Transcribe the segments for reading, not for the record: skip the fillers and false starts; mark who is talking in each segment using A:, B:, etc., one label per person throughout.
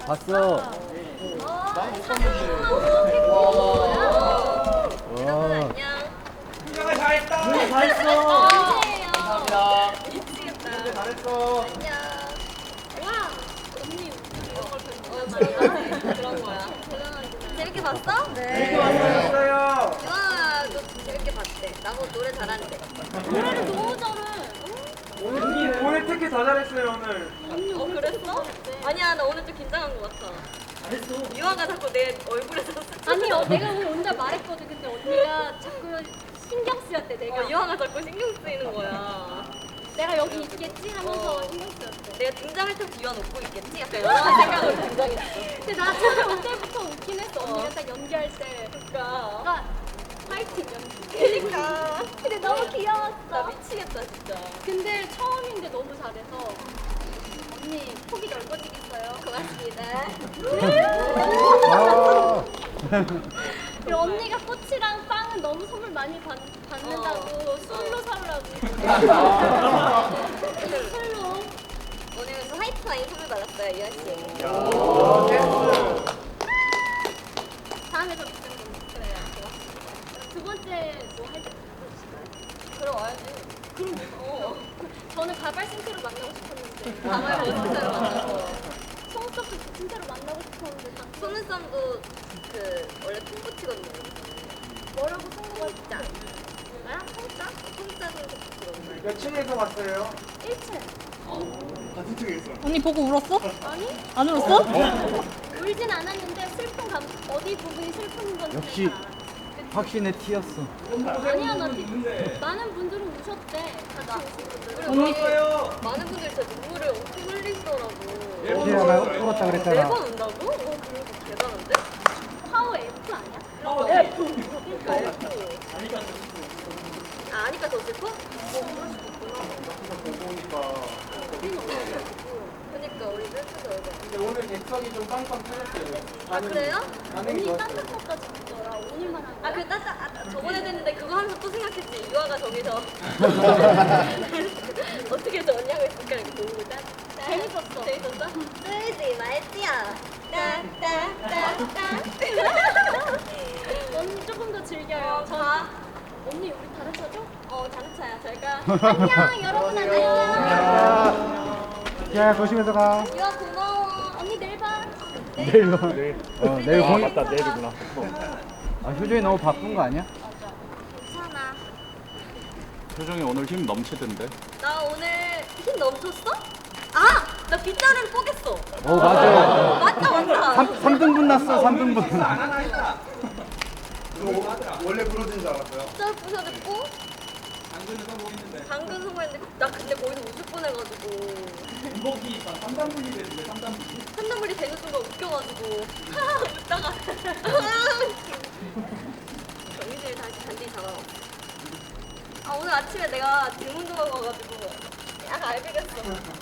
A: 봤어.
B: 나못 봤는데.
C: 여러분 안녕.
B: 민경아 잘했다.
D: 네, 잘했어.
B: 감사합니다.
C: 미치겠다.
B: 잘했어.
C: 안녕. 와. 언니 이런 걸 보는 그런 거야. 재밌게 봤어? 네.
B: 잘했어요.
C: 유아도 재밌게 봤대. 나보고 노래 잘하는데.
D: 노래를 너무 잘해.
B: 오늘 특히 더 잘했어요 오늘.
C: 그랬어? 아니야, 나 오늘 좀 긴장한 것 같아.
D: 잘했어.
C: 유아가 자꾸 내 얼굴에서
E: 아니요, 내가 오늘 혼자 말했거든. 근데 언니가 자꾸 신경 쓰였대. 내가
C: 유아가 자꾸 신경 쓰이는 거야.
E: 내가 여기 있겠지 하면서 신경 쓰였대.
C: 내가 등장할 때 유아 웃고 있겠지? 약간 이런 생각으로 등장했어.
E: 근데 나 처음에 그때부터 웃긴 했어. 언니가 딱 연기할 때.
C: 그러니까.
E: 나 파이팅 연기.
C: 그러니까.
E: 근데 너무
C: 나
E: 귀여웠어.
C: 미치겠다 진짜.
E: 근데 처음인데 너무 잘해서 언니 폭이 넓어지겠어요.
C: 고맙습니다.
A: 아.
E: 그리고 언니가 꽃이랑 빵은 너무 선물 많이 받는다고 술로 사오라고. 술로.
C: 오늘 화이트 와인 선물 받았어요, 유아 씨.
E: 다음에 더 비싼 거 그래요. 고맙습니다. 두 번째 뭐 할 때 부르실까요?
C: 그럼 와야지.
E: 그럼 저는 가발 신세로 만나고 싶었는데.
C: 가발 멋있어요, 만나서.
E: 속눈썹도 진짜로 만나고 싶었는데 당첨.
C: 속눈썹도 그 원래 통붙이거든요.
E: 뭐라고 성공했지? 나야?
C: 통짜? 통짜도 그런
B: 몇 층에서 봤어요?
E: 1층.
B: 같은 층에 있어.
D: 언니 보고 울었어?
E: 아니?
D: 안 울었어?
E: 울진 않았는데 슬픈 어디 부분이 슬픈 건지.
A: 역시
E: 다. 그치?
A: 확신의 티였어.
E: 아니야, 나 많은 분들은 우셨대. 같이 오신 분들.
C: 언니
B: 좋았어요.
C: 많은 분들이 진짜 눈물을 엄청 흘리시더라고.
A: 어제 하나 울었다 그랬잖아.
C: 매번 운다고? 그리고 대단한데?
E: 파워 F 아니야?
C: 그러니까 F. 아니까 더 슬퍼?
B: 보고 오니까.
C: 그러니까 우리 셀프도 얼굴.
B: 근데 오늘 객석이 좀 빵빵 터졌어요.
C: 아 그래요?
B: 반응이
E: 언니
B: 좋았어요.
E: 딴딴까지 붙더라. 오늘만 한 거야.
C: 그 저번에도 했는데 그거 하면서 또 생각했지. 유아가 저기서 어떻게 저 언니하고 있을까 이렇게 보고 있다.
E: 재밌었어.
C: 재밌었어? 쓰지 말지야. 따따따따.
E: 언니 조금 더 즐겨요.
C: 가.
E: 언니 우리 다른 차죠?
C: 다른 차야. 잘 가.
E: 안녕 여러분 안녕.
A: 야, 조심해서 가.
C: 유아 고마워.
E: 언니 내일 봐.
A: 내일 봐. 내일 공연.
C: 맞다 내일이구나.
A: 아, 효정이 너무 바쁜 거 아니야?
C: 괜찮아.
F: 표정이 오늘 힘 넘치던데.
C: 나 오늘 힘 넘쳤어? 아! 나 빗자루를 뽀겠어.
A: 오, 맞아.
C: 맞다.
A: 3등분 났어, 3등분.
B: 안 하나 했다. 원래 부러진 줄 알았어요.
C: 빗자루 부셔졌고
B: 당근을 성공했는데.
C: 당근 성공했는데 나 근데 거기서 웃을 뻔해가지고
B: 이복이 3단 분리 됐는데 3단 분리.
C: 한눈물이 되는 순간 웃겨가지고 하하 웃다가 정신을 다시 잔디 잡아먹었어. 아 오늘 아침에 내가 등 운동하고 와가지고 약간 알비겠어.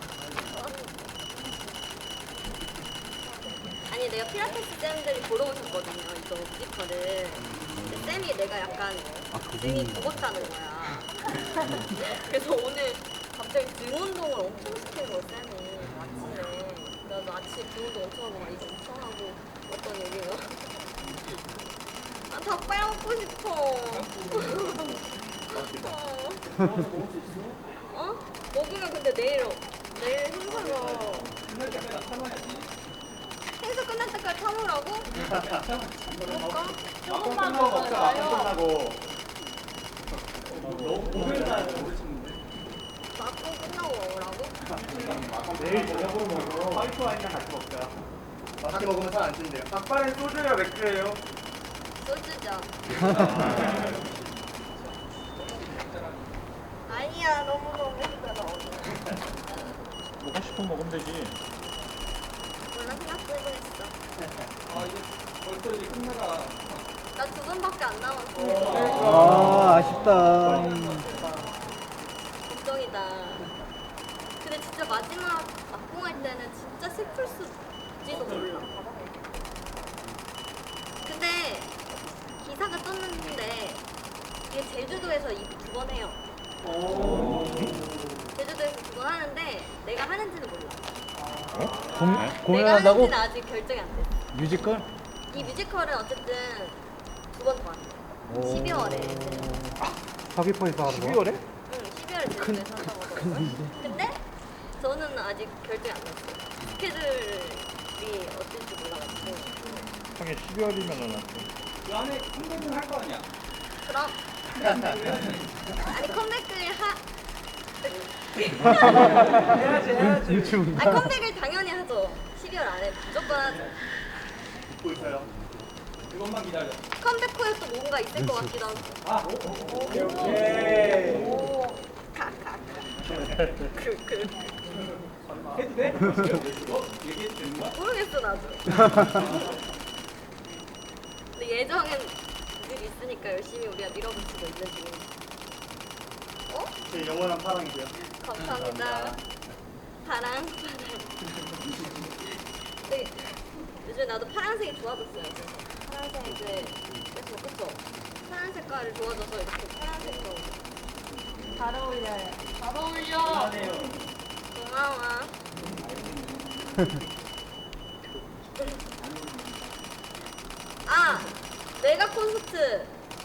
C: 아니 내가 필라테스 쌤들이 보러 오셨거든요 이거 뮤지컬을. 근데 쌤이 내가 약간 등이 굽었다는 거야. 그래서 오늘 갑자기 등 운동을 엄청 시키는 거야 쌤이 아침에. 나도 아침에 등 운동 엄청 하고 막 이거 엄청 하고 어떤 얘기가 나 닭발 먹고 싶어. 어? 먹으면 근데 내일 행사가 행사 끝날 때까지 참으라고? 그럴까?
E: 조금만
B: 끝나고
E: 먹어요.
B: 먹자. 끝나고.
C: 막고 끝나고 먹으라고?
B: 내일 저녁으로 먹어. 화이트 와인이랑 같이 먹자. 같이 먹으면 살 안 찐대요. 닭발은 소주예요, 맥주예요?
C: 소주죠. 아니야 너무 힘들어.
F: 먹고 싶으면 먹으면 되지.
C: 몰라 생각도 해보겠어.
B: 아 이제 벌써 이제 끝나가.
C: 나 2번밖에 안 남았어.
A: 아, 아쉽다.
C: 걱정이다. 근데 진짜 마지막 막공할 때는 진짜 슬플 수지도 몰라. 근데 기사가 떴는데 이게 제주도에서 2번 해요. 제주도에서 2번 하는데 내가 하는지는 몰라. 내가
A: 공연한다고?
C: 하는지는 아직 결정이 안 됐어.
A: 뮤지컬?
C: 이 뮤지컬은 어쨌든 2번 더 한대. 12월에.
A: 서귀포에서 하는 거?
B: 12월에?
C: 응, 12월에 제주도에서 한다고 하더라고요. 근데 저는 아직 결정이 안 났어요. 스케줄이 어떨지 몰라가지고.
F: 형이 12월이면은
B: 그 안에 컴백은 할 거 아니야?
C: 그럼. 아니, 컴백을
B: 해야지.
A: 유충.
C: 컴백을 당연히 하죠. 12월 안에 무조건 하죠.
B: 듣고 있어요. 그것만 기다려.
C: 컴백 후에 또 뭔가 있을 것 같기도 하고.
B: 오케이. 해도 돼? 얘기해도 되는 거야?
C: 모르겠어, 나도. 근데 예정은 늘 있으니까 열심히 우리가 밀어붙이고 있는 중입니다. 어?
B: 제 영원한 파랑이고요.
C: 감사합니다. 파랑. 근데 요즘 나도 파란색이 좋아졌어요. 그래서 파란색 이제 그쵸? 파란 색깔이 좋아져서 이렇게 파란색으로.
E: 잘 어울려요.
C: 잘 어울려. 고마워. 아, 메가 콘서트.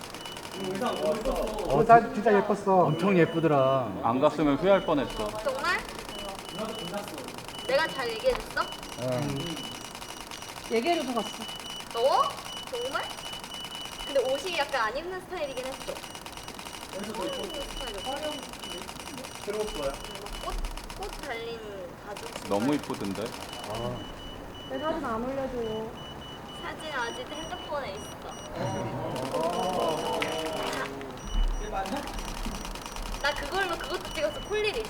A: 진짜 예뻤어. 엄청 예쁘더라.
F: 안 갔으면 후회할 뻔했어.
C: 정말? 내가 잘 얘기해줬어?
D: 얘기해줘서 갔어.
C: 너? 정말? 근데 옷이 약간 안 입는 스타일이긴 했어. 입는 스타일이었어.
B: 새로웠어요.
C: 꽃 달린 가죽.
F: 너무 이쁘던데.
D: 내 사진 안 올려줘요.
C: 사진 아직 핸드폰에 있어. 나 그것도 찍었어. 폴리리스.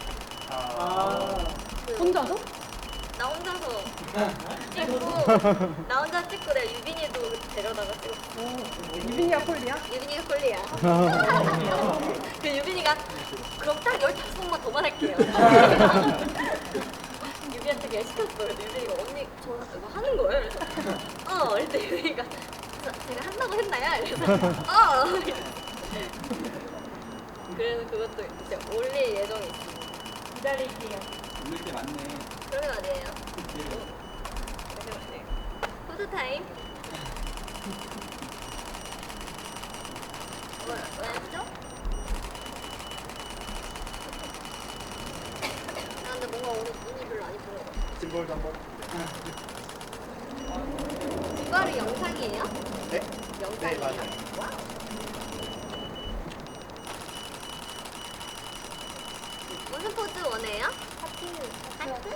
D: 혼자서?
C: 나 혼자서 찍고 나 혼자 찍고 내가 유빈이도 데려다가 찍었어.
D: 유빈이야 콜리야?
C: 유빈이가 콜리야. 그 유빈이가 그럼 딱 15번만 더만 할게요. 유빈한테 그냥 시켰어. 그래서 유빈이가 언니 저 이거 하는 거예요? 그래서 그때 유빈이가 제가 한다고 했나요? 그래서 그래서 그것도 이제 올릴 예정이 있어.
E: 기다릴게요.
B: 올릴 게 많네.
C: 그러게 말이에요. 포토타임. 왜 했죠? 아, 근데 뭔가 오늘 눈이 별로 안 이쁜 것 같아.
B: 짐볼도 한번.
C: 이거를 영상이에요?
B: 네?
C: 영상이에요?
B: 네, 맞아요.
C: 와우. 무슨 포즈 원해요? 하트.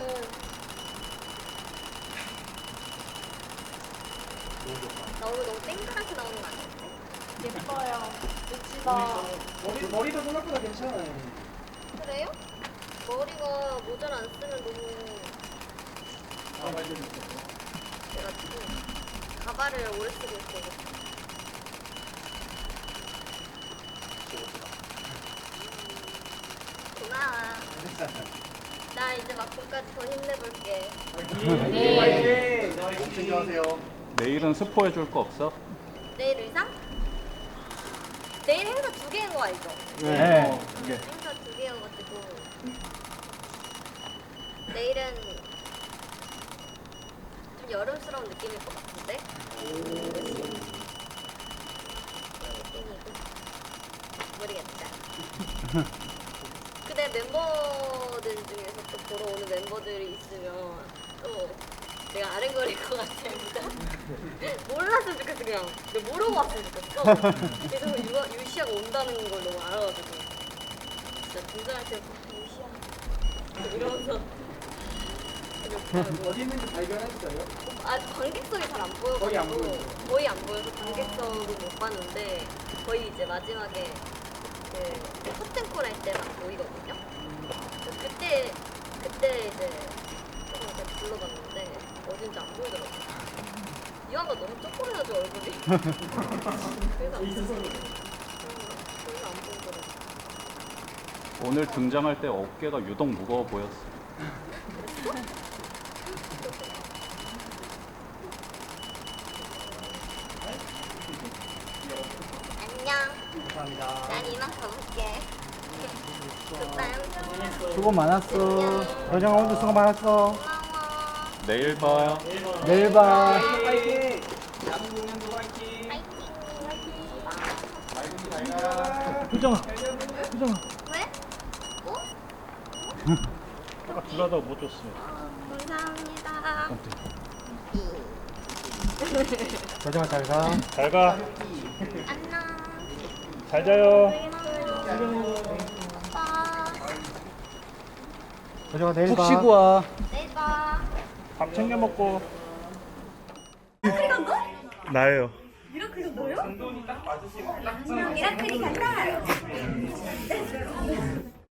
C: 너무 땡그랗게 나오는 거 아니야?
E: 예뻐요. 멋지다.
B: 머리도 생각보다 괜찮아요.
C: 그래요? 머리가 모자를 안 쓰면 너무 그래가지고 가발을 오래 쓰고 있어요. 고마워. 나 이제 막고까지 더 힘내볼게.
B: 몸 챙겨하세요.
F: 내일은 스포해줄 거 없어?
C: 내일 의상? 내일 행사 2개인 거 알죠?
A: 네.
C: 행사 2개여가지고 내일은 좀 여름스러운 느낌일 것 같은데? 그런 느낌이고 모르겠다. 근데 멤버들 중에서 또 보러 오는 멤버들이 있으면 또 내가 아른거릴 것 같아. 몰랐으면 좋겠어. 그냥 내가 모르고 왔으면 좋겠어. 그래서 유시아가 온다는 걸 너무 알아가지고 진짜 등장할 때 유시아 이러면서
B: 어디 있는지 발견했어요?
C: 관객석이 잘 안 보여가지고 거의 안 보여서 관객석을 못 봤는데 거의 이제 마지막에 그 커튼콜 할 때만 보이거든요. 그래서 그때 이제 조금 이렇게 불러봤는데 어딘지 안 보이더라고요. 유아가 너무 쪼꼬매가지고 얼굴이. 그래서 안 보이더라고요.
F: 오늘 등장할 때 어깨가 유독 무거워 보였어.
C: 안녕.
B: 감사합니다.
C: 난 이만 가볼게. 굿밤.
A: 수고 많았어. 여정아 오늘 수고 많았어.
C: 고마워.
F: 내일 봐.
A: 내일 봐.
B: 파이팅! 남은 공연도 파이팅!
A: 효정아.
C: 왜?
A: 아까 줄하다가 못 줬어.
C: 감사합니다.
A: 효정아 잘 가.
G: 잘 가.
C: 안녕.
G: 잘 자요.
C: 오빠.
A: 효정아 내일 봐. 푹 쉬고 와.
C: 내일 봐.
G: 밥 챙겨 먹고. 나예요.
C: 미라클이 간다.